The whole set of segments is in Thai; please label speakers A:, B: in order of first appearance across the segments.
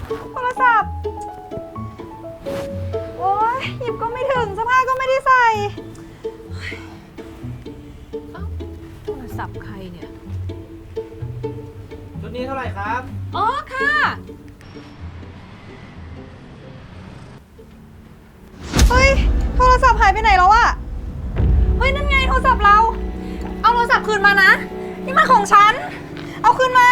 A: โทรศัพท์โอ๊ยหยิบก็ไม่ถึงเสื้อผ้าก็ไม่ได้ใส่
B: โทรศัพท์ใครเนี่ย
C: ชุดนี้เท่าไหร่ครับ
B: อ๋อค่ะ
A: เฮ้ยโทรศัพท์หายไปไหนแล้วอะเฮ้ยนั่นไงโทรศัพท์เราเอาโทรศัพท์คืนมานะนี่มันของฉันเอาคืนมา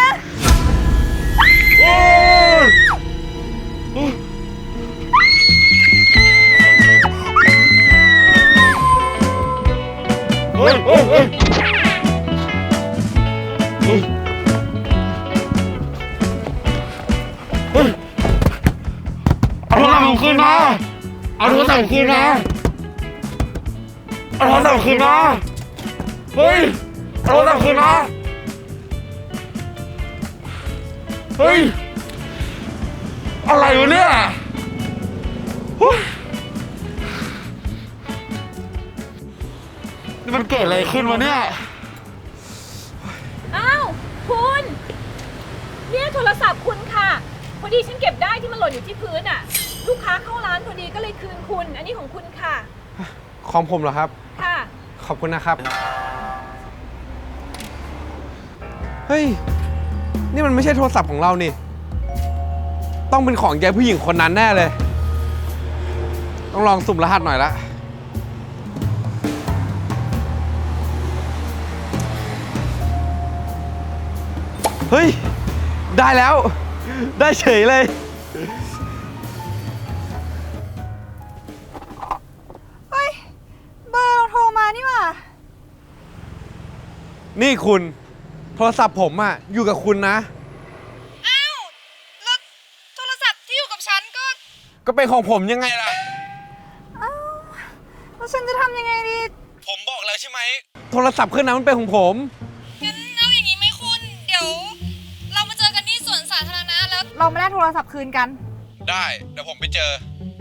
D: เอาโทรศัพท์ผมคืนมาเอาโทรศัพท์คืนมาเอาโทรศัพท์คืนมาเฮ้ยเอาโทรศัพท์คืนมาเฮ้ยอะไรวะเนี่ยนี่มันเกิดอะไรขึ้นวะเนี่ย
B: อ้าวคุณเนี่ยโทรศัพท์คุณค่ะพอดีฉันเก็บได้ที่มันหล่นอยู่ที่พื้นอ่ะลูกค้าเข้าร้านพอดีก็เลยคืนคุณอันนี้ของคุณค่ะ
C: ของผมเหรอครับ
B: ค่ะ
C: ขอบคุณนะครับเฮ้ยนี่มันไม่ใช่โทรศัพท์ของเรานี่ต้องเป็นของยายผู้หญิงคนนั้นแน่เลยต้องลองสุ่มรหัสหน่อยละเฮ้ยได้แล้วได้เฉยเลย
A: เฮ้ยเบอร์เราโทรมานี่หว่า
C: นี่คุณโทรศัพท์ผมอะอยู่กับคุณนะ
A: อ้าวแล้วโทรศัพท์ที่อยู่กับฉัน
C: ก็เป็นของผมยังไงล่ะ
A: อ้าวแล้วฉันจะทำยังไงดี
C: ผมบอกแล้วใช่ไหมโทรศัพท์เครื่องนั้นมันเป็นของผม
A: งั้นเอาอย่างนี้ไหมคุณเดี๋ยวเรามาเจอกันที่สวนสาธารณะแล้วเราไม่ได้โทรศัพท์คืนกัน
C: ได้เดี๋ยวผมไปเจอ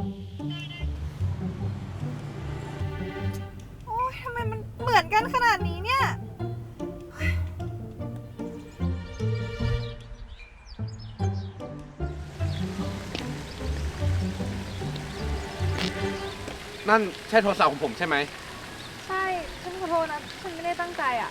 A: โอ๊ยทำไมมันเหมือนกันขนาดนี้เนี่ย
C: นั่นใช่โทรศัพท์ของผมใช่ไหม
A: ใช่ฉันขอโทษนะฉันไม่ได้ตั้งใจอ่ะ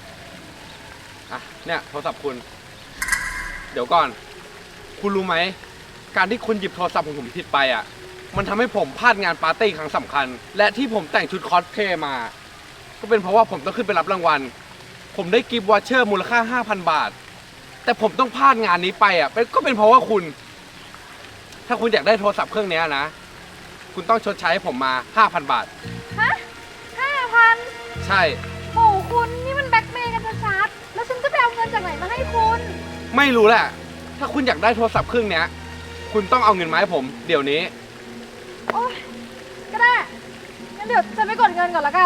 C: เนี่ยโทรศัพท์คุณเดี๋ยวก่อนคุณรู้ไหมการที่คุณหยิบโทรศัพท์ของผมผิดไปอ่ะมันทำให้ผมพลาดงานปาร์ตี้ครั้งสำคัญและที่ผมแต่งชุดคอสเพลย์มาก็เป็นเพราะว่าผมต้องขึ้นไปรับรางวัลผมได้กิฟต์วอเชอร์มูลค่า 5,000 บาทแต่ผมต้องพลาดงานนี้ไปอ่ะก็เป็นเพราะว่าคุณถ้าคุณอยากได้โทรศัพท์เครื่องนี้นะคุณต้องชดใช้ให้ผมมา 5,000 บาท
A: ฮะ5,000
C: ใช่
A: โหคุณนี่มันแบล็กเมย์กันชัดๆแล้วฉันจะไปเอาเงินจากไหนมาให้คุณ
C: ไม่รู้แหละถ้าคุณอยากได้โทรศัพท์เครื่องนี้คุณต้องเอาเงินมาให้ผมเดี๋ยวนี้
A: โอ๊ยก็ได้งั้นเดี๋ยวฉันไปกดเงินก่อนละกัน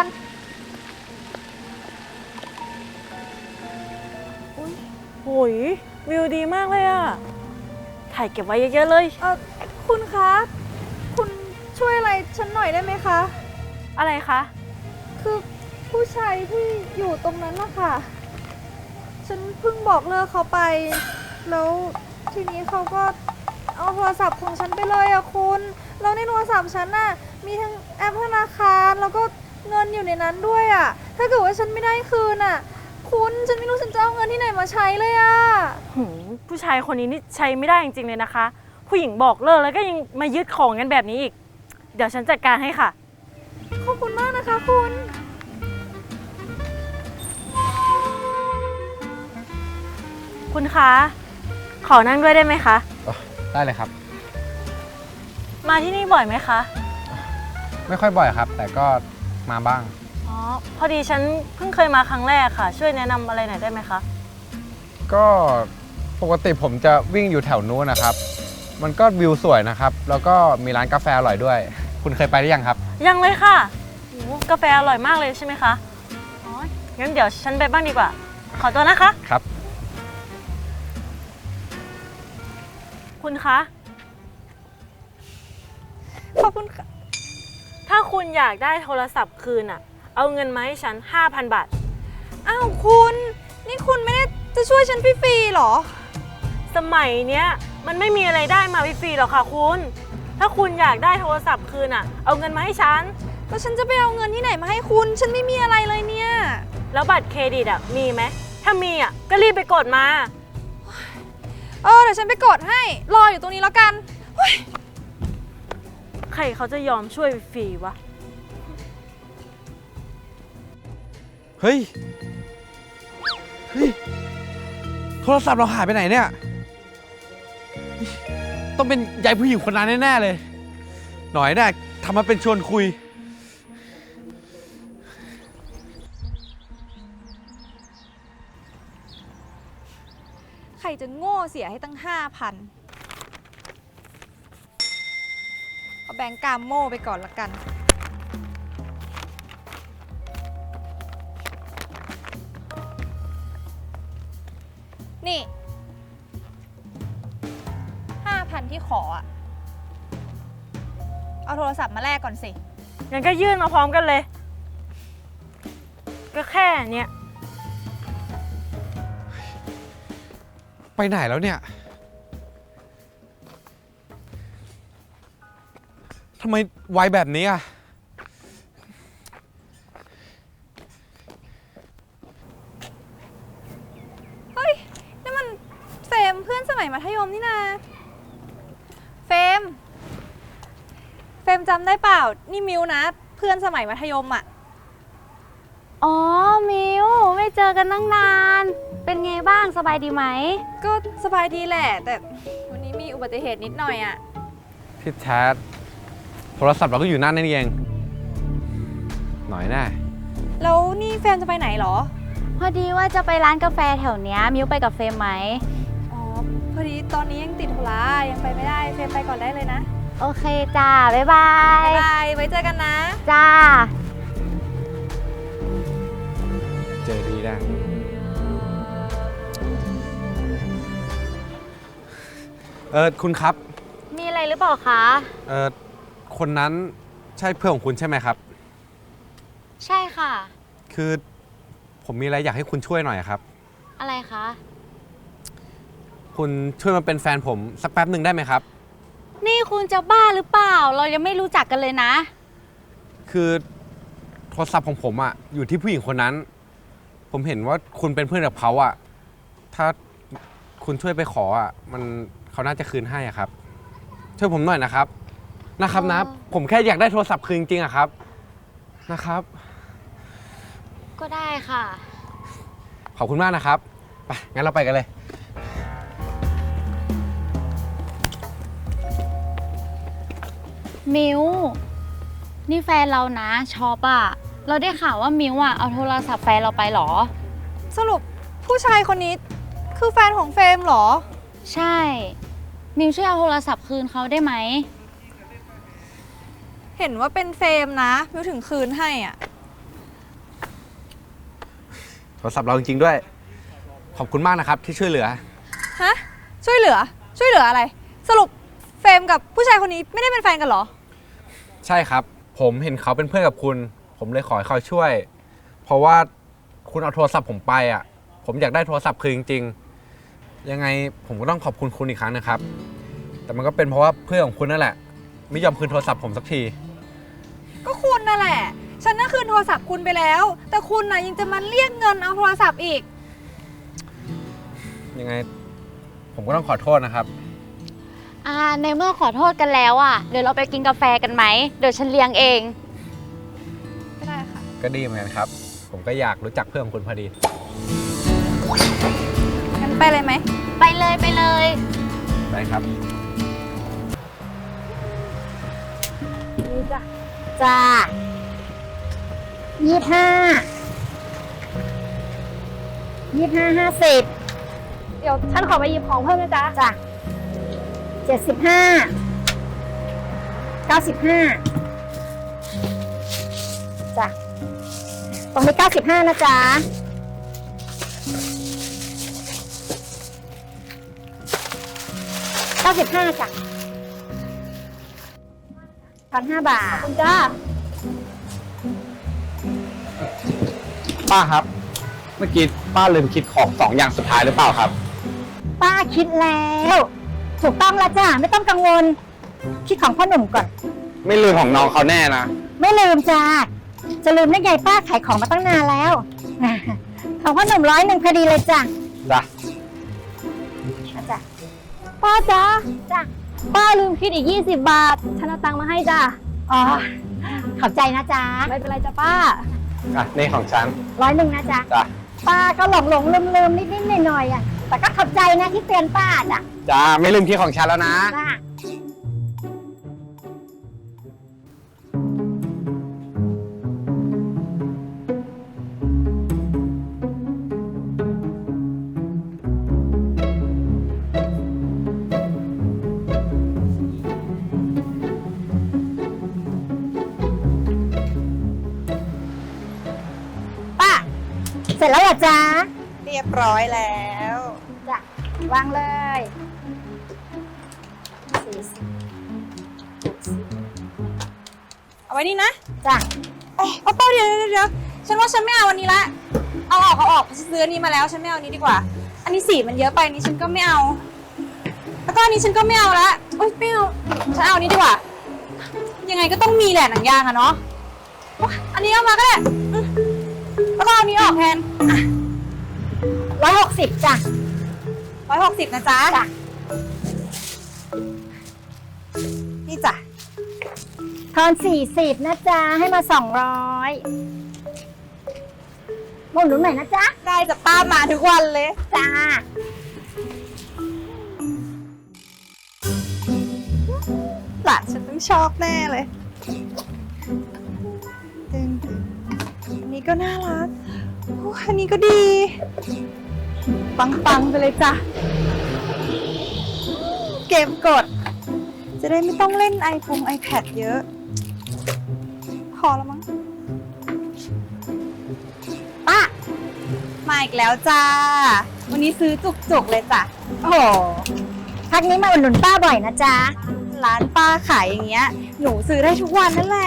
E: โอ้ยวิวดีมากเลยอะถ่ายเก็บไว้เยอะๆเลย
A: คุณคะคุณช่วยอะไรฉันหน่อยได้ไหมคะ
E: อะไรคะ
A: คือผู้ชายที่อยู่ตรงนั้นนะคะฉันเพิ่งบอกเลิกเขาไปแล้วทีนี้เขาก็เอาโทรศัพท์ของฉันไปเลยอะคุณแล้วในโทรศัพท์ฉันน่ะมีทั้งแอปธนาคารแล้วก็เงินอยู่ในนั้นด้วยอะถ้าเกิดว่าฉันไม่ได้คืนอะคุณฉันไม่รู้ฉันจะเอาเงินที่ไหนมาใช้เลยอะ
E: ผู้ชายคนนี้นี่ใช้ไม่ได้จริงๆเลยนะคะผู้หญิงบอกเลิกแล้วก็ยังมายึดของกันแบบนี้อีกเดี๋ยวฉันจัดการให้ค่ะ
A: ขอบคุณมากนะคะคุณ
E: คุณคะขอนั่งด้วยได้ไหมคะ
C: ได้เลยครับ
E: มาที่นี่บ่อยไหมคะ
C: ไม่ค่อยบ่อยครับแต่ก็มาบ้าง
E: อ๋อพอดีฉันเพิ่งเคยมาครั้งแรกค่ะช่วยแนะนำอะไรหน่อยได้ไหมคะ
C: ก็ปกติผมจะวิ่งอยู่แถวนู้นนะครับมันก็วิวสวยนะครับแล้วก็มีร้านกาแฟอร่อยด้วยคุณเคยไปหรือยังครับ
E: ยังเลยค่ะกาแฟอร่อยมากเลยใช่ไหมคะอ๋องั้นเดี๋ยวฉันไปบ้างดีกว่าขอตัวนะคะ
C: ครับ
E: คุณคะ
A: ขอบคุณค่ะ
E: ถ้าคุณอยากได้โทรศัพท์คืนอะเอาเงินมาให้ฉัน 5,000 บาท
A: อ้าวคุณนี่คุณไม่ได้จะช่วยฉันฟรีๆหรอ
E: สมัยเนี้ยมันไม่มีอะไรได้มาฟรีๆหรอกค่ะคุณ ถ้าคุณอยากได้โทรศัพท์คืนอ่ะ เอาเงินมาให้ฉัน
A: แล้วฉันจะไปเอาเงินที่ไหนมาให้คุณ ฉันไม่มีอะไรเลยเนี่ย
E: แล้วบัตรเครดิตอ่ะมีไหม ถ้ามีอ่ะก็รีบไปกดมา
A: เดี๋ยวฉันไปกดให้ รออยู่ตรงนี้แล้วกัน
E: ใครเขาจะยอมช่วยฟรีวะ
C: เฮ้ย โทรศัพท์เราหายไปไหนเนี่ย ต้องเป็นยายผู้หญิงคนนั้นแน่ๆเลย หน่อยเนี่ยทำมาเป็นชวนคุย
A: ใครจะโง่เสียให้ตั้ง 5,000 เอาแบงก์กามโม่ไปก่อนละกัน นี่ 5,000 ที่ขออะเอาโทรศัพท์มาแลกก่อนสิ
E: งั้นก็ยื่นมาพร้อมกันเลย ก็แค่เนี้ย
C: ไปไหนแล้วเนี่ย ทำไมไวแบบนี้อ่ะ
A: เฮ้ยนี่มันเฟรมเพื่อนสมัยมัธยมนี่นาเฟรมจำได้เปล่า นี่มิวนะ เพื่อนสมัยมัธยมอ่ะ
F: อ๋อ มิวไม่เจอกันตั้งนาน เป็นไงบ้างสบายดีไหม
A: ก็สบายดีแหละ แต่วันนี้มีอุบัติเหตุนิดหน่อยอ่ะ
C: ที่แท้โทรศัพท์เราก็อยู่นั่นเอง หน่อยแน่
A: แล้วนี่เฟรมจะไปไหนเหรอ
F: พอดีว่าจะไปร้านกาแฟแถวเนี้ยมิวไปกับเฟรมไหม
A: อ๋อ พอดีตอนนี้ยังติดธุระยังไปไม่ได้ เฟรมไปก่อนได้เลยนะ
F: โอเคจ้า บ๊ายบาย
A: บ๊ายบาย ไว้เจอกันนะ
F: จ้า
C: เจอดีแน่คุณครับ
F: มีอะไรหรือเปล่าคะ
C: คนนั้นใช่เพื่อนของคุณใช่ไหมครับ
F: ใช่ค่ะ
C: คือผมมีอะไรอยากให้คุณช่วยหน่อยครับ
F: อะไรคะ
C: คุณช่วยมาเป็นแฟนผมสักแป๊บหนึ่งได้ไหมครับ
F: นี่คุณจะบ้าหรือเปล่า เรายังไม่รู้จักกันเลยนะ
C: คือโทรศัพท์ของผมอะอยู่ที่ผู้หญิงคนนั้น ผมเห็นว่าคุณเป็นเพื่อนกับเขาอะถ้าคุณช่วยไปขออะเขาน่าจะคืนให้อะครับ ช่วยผมหน่อยนะครับนะ ผมแค่อยากได้โทรศัพท์คืนจริงๆอะครับนะครับ
F: ก็ได้ค่ะ
C: ขอบคุณมากนะครับไปงั้นเราไปกันเลย
F: มิวนี่แฟนเรานะชอบอะเราได้ข่าวว่ามิวอะเอาโทรศัพท์แฟนเราไปเหรอ
A: สรุปผู้ชายคนนี้คือแฟนของเฟรมเหรอ
F: ใช่ มิวช่วยเอาโทรศัพท์คืนเขาได้ไหม
A: เห็นว่าเป็นเฟรมนะมิวถึงคืนให้อ่ะ
C: โทรศัพท์เราจริงๆด้วย ขอบคุณมากนะครับที่ช่วยเหลือ
A: ฮะ ช่วยเหลืออะไร สรุปเฟรมกับผู้ชายคนนี้ไม่ได้เป็นแฟนกันเหรอ
C: ใช่ครับ ผมเห็นเขาเป็นเพื่อนกับคุณ ผมเลยขอให้เขาช่วย เพราะว่าคุณเอาโทรศัพท์ผมไปอ่ะ ผมอยากได้โทรศัพท์คืนจริงๆ ยังไงผมก็ต้องขอบคุณคุณอีกครั้งนะครับ แต่มันก็เป็นเพราะว่าเพื่อนของคุณนั่นแหละ ไม่ยอมคืนโทรศัพท์ผมสักที
A: ก็คุณนั่นแหละ ฉันน่ะคืนโทรศัพท์คุณไปแล้ว แต่คุณน่ะยังจะมาเรียกเงินเอาโทรศัพท์อีก
C: ยังไงผมก็ต้องขอโทษนะครับ
F: ในเมื่อขอโทษกันแล้วอ่ะ เดี๋ยวเราไปกินกาแฟกันไหม เดี๋ยวฉันเลี้ยงเอง
A: ไม่ได้ค่ะ
C: ก็ดีเหมือนกันครับ ผมก็อยากรู้จักเพื่อนของคุณพอดี
A: งั้นไปเลยไหม
F: ไปเลยไปเลย
C: ไปครับ
F: จ้า50
A: เดี๋ยวฉันขอไปหยิบของเพิ่มนะจ๊ะ
F: จ้ะ75 95จ้ะตรงนี้95นะจ๊ะ95จ้ะ1,500 บาท ขอบคุณจ้า
D: ป้าครับ เมื่อกี้ป้าลืมคิดของ2 อย่างสุดท้ายหรือเปล่าครับ
F: ป้าคิดแล้ว
G: ถูกต้องแล้วจ้ะไม่ต้องกังวลคิดของพ่อหนุ่มก่อน
C: ไม่ลืมของน้องเขาแน่นะ
G: ไม่ลืมจ้ะจะลืมได้ไงป้าขายของมาตั้งนานแล้ว ของพ่อหนุ่ม100พอดีเลยจ้ะ
C: จ้ะ
G: เอาจ้ะ
A: ป้าจ๊ะ
G: จ้ะ
A: ป้าลืมคิดอีก20 บาท ฉันเอาตังค์มาให้จ้ะ
G: อ๋อขอบใจนะจ๊ะ
A: ไม่เป็นไรจ้ะป้า
C: อ่ะ นี่ของฉัน
G: 100นะจ๊ะ
C: จ้ะ
G: ป้าก็หลงลืมนิดหน่อยอ่ะแต่ก็ขอบใจนะที่เตือนป้าจ้ะ
C: จ้า ไม่ลืมที่ของฉันแล้วนะ
G: จ้ะ ป้า เสร็จแล้วเหรอจ๊ะ
H: เรียบร้อยแล้ว
G: จ้ะวางเลย
H: เอาไว้นี่นะ
G: จ้ะ
H: เอ้ยเอาเป้าเดี๋ยวฉันว่าฉันไม่เอาอันนี้ละเอาออกฉันซื้ออันนี้มาแล้วฉันไม่เอาอันนี้ดีกว่า อันนี้สีมันเยอะไปนี่ฉันก็ไม่เอา แล้วก็อันนี้ฉันก็ไม่เอาละโอ๊ยไม่เอาฉันเอาอันนี้ดีกว่า ยังไงก็ต้องมีแหละหนังยางอะเนาะโอ๊ยอันนี้เอามาก็ได้อืมแล้วก็เอาอันนี้ออกแทน
G: 160จ้ะ
H: 160นะจ๊ะ
G: จ้ะ
H: นี่จ้ะ
G: ทอน40นะจ๊ะให้มา200หมุนหนุนหน่อยนะจ๊ะ
H: ได้จะป้ามาทุกวันเลย
G: จ้า
H: หลานฉันต้องชอบแน่เลยตึงอันนี้ก็น่ารักโอ้อันนี้ก็ดี ปังๆไปเลยจ้ะ เกมกด จะได้ไม่ต้องเล่นiPad เยอะ พอแล้วมั้ง
G: ป้า
H: มาอีกแล้วจ้า วันนี้ซื้อจุกๆเลยจ้ะ
G: โอ้โหพักนี้มาอุดหนุนป้าบ่อยนะจ๊ะ
H: ร้านป้าขายอย่างเงี้ย หนูซื้อได้ทุกวันนั่นแหละ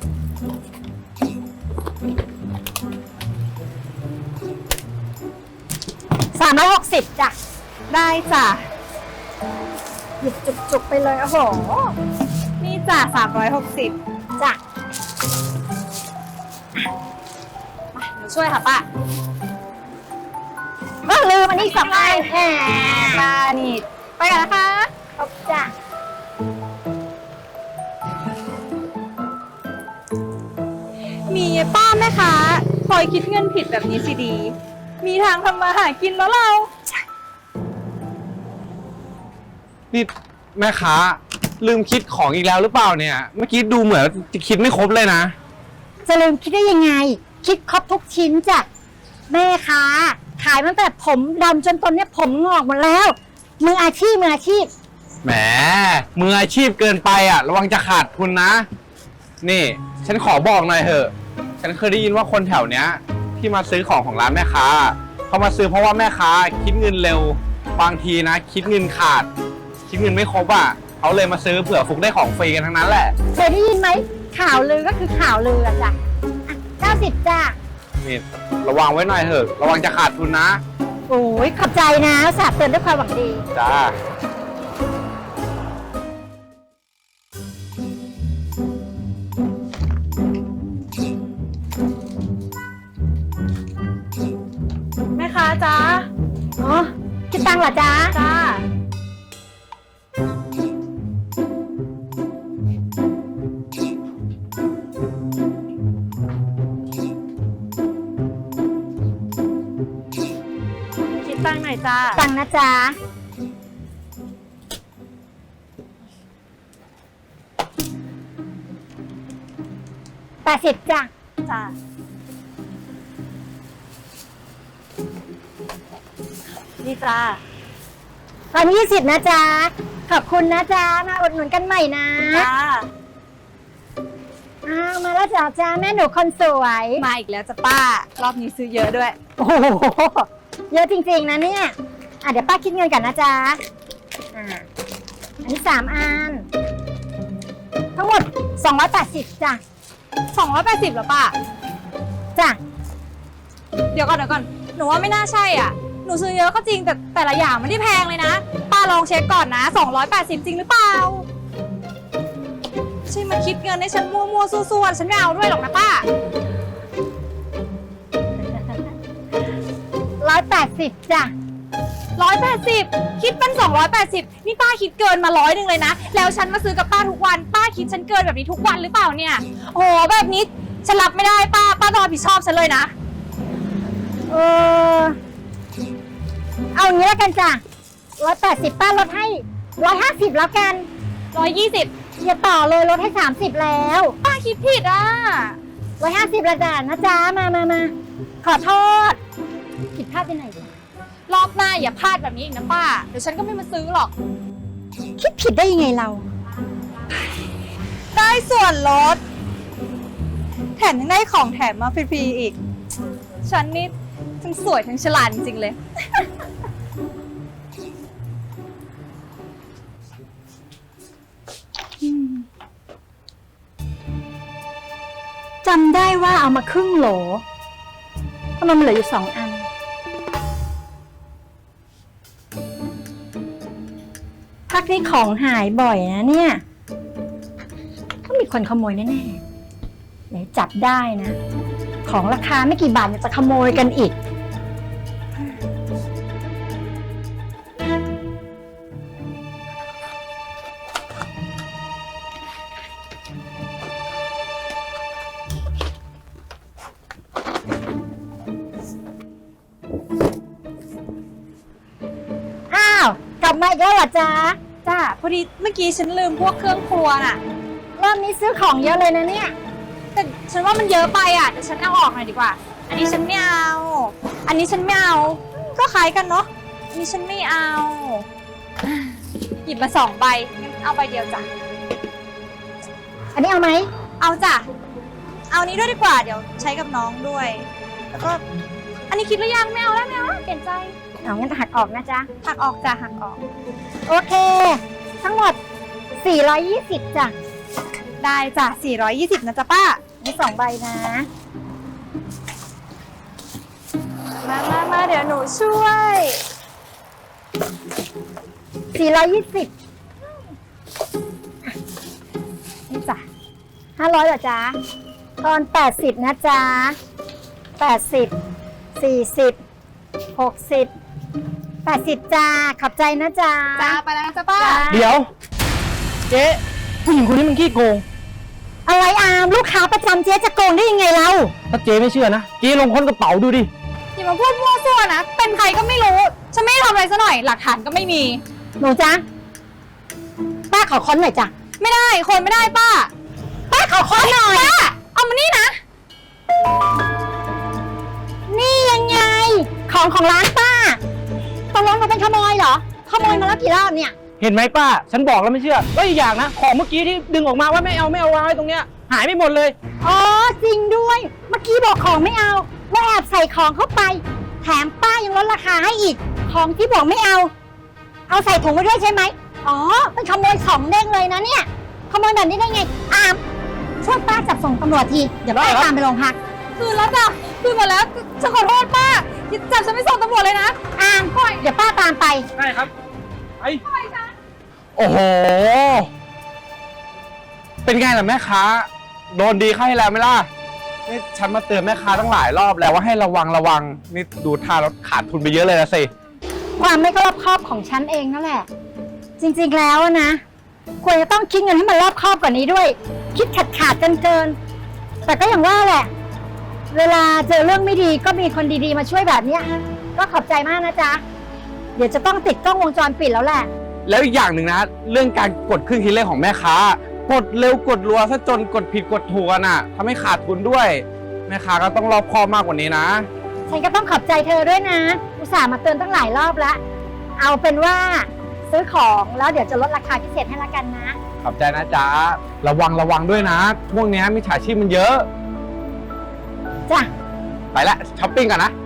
G: 360จ้ะ
H: ได้จ้ะ
G: หยิบจุกๆไปเลยโอ้โห
H: นี่จ้ะ360
G: จ้ะ
H: หนูช่วยค่ะป้า
G: ลืมอันนี้2อันแหม
H: ป้านี่ไปกันนะคะ
G: ครบจ้ะ
H: มีป้าแม่ค้าคอยคิดเงินผิดแบบนี้สิดี มีทางทำมาหากินแล้วเรา
C: นี่แม่ค้าลืมคิดของอีกแล้วหรือเปล่าเนี่ย เมื่อกี้ดูเหมือนจะคิดไม่ครบเลยนะ
G: จะลืมคิดได้ยังไง คิดครบทุกชิ้นจ้ะแม่ค้าขายตั้งแต่ผมดำจนตอนเนี้ยผมงอกหมดแล้ว มืออาชีพ
C: แหมมืออาชีพเกินไปอ่ะ ระวังจะขาดทุนนะ นี่ฉันขอบอกหน่อยเถอะ ฉันเคยได้ยินว่าคนแถวเนี้ย ที่มาซื้อของร้านแม่ค้าเขามาซื้อเพราะว่าแม่ค้าคิดเงินเร็ว บางทีนะ คิดเงินขาด คิดเงินไม่ครบอ่ะเขาเลยมาซื้อเผื่อฟุกได้ของฟรีกันทั้งนั้นแหละ
G: เคยได้ยินไหมข่าวลือก็คือข่าวลืออะจ้ะอ่ะ90จ้ะ
C: นี่ระวังไว้หน่อยเถอะ ระวังจะขาดทุนนะ
G: โอ้ยขอบใจนะสาบเตือนด้วยความหวังดี
C: จ้า
H: แม่ค้าจ้า
G: อ๋อคิดตังค์เหรอจ๊ะ
H: จ้า
E: คิดตังค์หน่อยจ้า
G: ตังค์นะจ๊ะ80จ้ะ
H: จ้า
E: นี่จ้า
G: ตอน20นะจ๊ะ ขอบคุณนะจ๊ะ มาอุดหนุนกันใหม่นะ
H: จ้า
G: อ้าวมาแล้วจ้าแม่หนูคนสวย
H: มาอีกแล้วจ้ะป้า รอบนี้ซื้อเยอะด้วย
G: โอ้โห เยอะจริงๆนะเนี่ยเดี๋ยวป้าคิดเงินกันนะจ๊ะอันนี้3อัน ทั้งหมด280จ้ะ
H: 280เหรอป้า
G: จ้ะ
H: เดี๋ยวก่อน หนูว่าไม่น่าใช่อ่ะ หนูซื้อเยอะก็จริงแต่ละอย่างไม่ได้แพงเลยนะ ป้าลองเช็คก่อนนะ280จริงหรือเปล่าไม่ใช่มาคิดเงินให้ฉันมั่วๆซั่วๆฉันไม่เอาด้วยหรอกนะป้า
G: 180จ้ะ
H: 180คิดเป็น280นี่ป้าคิดเกินมา100เลยนะแล้วฉันมาซื้อกับป้าทุกวันป้าคิดฉันเกินแบบนี้ทุกวันหรือเปล่าเนี่ยโอ้โหแบบนี้ฉันรับไม่ได้ป้าต้องรับผิดชอบฉันเลยนะ
G: เออเอางี้แล้วกันจ้ะ180ป้าลดให้150แล้วกัน
H: 120
G: อย่าต่อเลยลดให้30แล้ว
H: ป้าคิดผิดอ่ะ
G: 150ละจ้ะนะจ๊ะมาขอโทษผิดพลาดไปไหนจ้ะ
H: รอบหน้าอย่าพลาดแบบนี้อีกนะป้าเดี๋ยวฉันก็ไม่มาซื้อหรอก
G: คิดผิดได้ยังไงเรา
H: ได้ส่วนลดแถมยังได้ของแถมมาฟรีๆอีก ฉันนี่ทั้งสวยทั้งฉลาดจริงๆเลย
G: จำได้ว่าเอามาครึ่งโหลทำไมมันเหลืออยู่2 อัน พักนี้ของหายบ่อยนะเนี่ยก็มีคนขโมยแน่ๆเดี๋ยวจับได้นะ ของราคาไม่กี่บาทเนี่ยจะขโมยกันอีก อ้าว กลับมาอีกแล้วเหรอจ๊ะ
H: จ้าพอดีเมื่อกี้ฉันลืมพวกเครื่องครัวน่ะ
G: รอบนี้ซื้อของเยอะเลยนะเนี่ย
H: แต่ฉันว่ามันเยอะไปอ่ะเดี๋ยวฉันเอาออกหน่อยดีกว่า อันนี้ฉันไม่เอา อันนี้ฉันไม่เอา ก็คล้ายกันเนาะ อันนี้ฉันไม่เอา หยิบมา2ใบงั้นเอาใบเดียวจ้ะ
G: อันนี้เอาไหม
H: เอาจ้ะ เอานี้ด้วยดีกว่า เดี๋ยวใช้กับน้องด้วย แล้วก็ อันนี้คิดหรือยังไม่เอาแล้วเปลี่ยนใจ
G: เอางั้นหักออกนะจ๊ะ
H: หักออกจ้ะหักออก
G: โอเค ทั้งหมด 420จ้ะ
H: ได้จ้ะ420นะจ๊ะป้า
G: มี2 ใบนะ
H: มาเดี๋ยวหนูช่วย
G: 420นี่จ้ะ500เหรอจ๊ะตอน80นะจ๊ะ80 40 60 80จ้าขอบใจนะจ๊ะ
H: จ้าไปแล้วนะจ๊ะป้า
D: เดี๋ยว เจ๊ผู้หญิงคนนี้มันขี้โกง
G: อะไรอามลูกค้าประจำเจ๊จะโกงได้ยังไงเรา
D: ถ้าเจ๊ไม่เชื่อนะ เจ๊ลองค้นกระเป๋าดูดิ
H: อย่ามาพูดมั่วซั่วนะ เป็นใครก็ไม่รู้ ฉันไม่ได้ทำอะไรซะหน่อย หลักฐานก็ไม่มี
G: หนูจ๊ะป้าขอค้นหน่อยจ้ะ
H: ไม่ได้ คนไม่ได้ป้า
G: ป้าขอค้นหน่อย
H: ป้า เอามานี่นะ
G: นี่ยังไง ของร้านป้าตกลงเราเป็นขโมยเหรอ ขโมยมาแล้วกี่รอบเนี่ย
D: เห็นไหมป้า ฉันบอกแล้วไม่เชื่อ แล้วอีกอย่างนะ ของเมื่อกี้ที่ดึงออกมาว่าไม่เอาวางไว้ตรงเนี้ย หายไปหมดเลย
G: อ๋อจริงด้วย เมื่อกี้บอกของไม่เอาแล้วแอบใส่ของเข้าไป แถมป้ายังลดราคาให้อีก ของที่บอกไม่เอา เอาใส่ถุงไว้ด้วยใช่ไหมอ๋อเป็นขโมย2 เด้งเลยนะเนี่ย ขโมยแบบนี้ได้ไง อามช่วยป้าจับส่งตำรวจที เดี๋ยวป้าตามไปโรงพัก
H: คืนแล้วจ้ะ คืนหมดแล้วฉันขอโทษป้าอย่าจับฉันไม่ส่งตำรวจเลยนะ
G: อามเดี๋ยวป้าตามไป
D: ได้ครับ ไอ้โอ้โห เป็นไงล่ะแม่ค้า โดนดีเข้าให้แล้วไหมล่ะ นี่ฉันมาเตือนแม่ค้าตั้งหลายรอบแล้วว่าให้ระวัง นี่ดูท่ารถขาดทุนไปเยอะเลยนะสิ
G: ความไม่รอบคอบของฉันเองนั่นแหละ จริงๆแล้วนะควรจะต้องคิดเงินให้มันรอบคอบกว่านี้ด้วย คิดขาดเกินแต่ก็อย่างว่าแหละ เวลาเจอเรื่องไม่ดีก็มีคนดีๆมาช่วยแบบเนี้ยก็ขอบใจมากนะจ๊ะเดี๋ยวจะต้องติดกล้องวงจรปิดแล้วแหละ
D: แล้วอีกอย่างหนึ่งนะ เรื่องการกดเครื่องคิดเลขของแม่ค้ากดเร็วกดรัวซะจนกดผิดกดถูกน่ะทำให้ขาดทุนด้วย แม่ค้าก็ต้องรอบคอบมากกว่านี้นะ
G: ฉันก็ต้องขอบใจเธอด้วยนะอุตส่าห์มาเตือนตั้งหลายรอบแล้วเอาเป็นว่าซื้อของแล้วเดี๋ยวจะลดราคาพิเศษให้ละกันนะ
D: ขอบใจนะจ๊ะ ระวังด้วยนะ พวกเนี้ยมิจฉาชีพมันเยอะ
G: จ้ะ
D: ไปละช้อปปิ้งก่อนนะ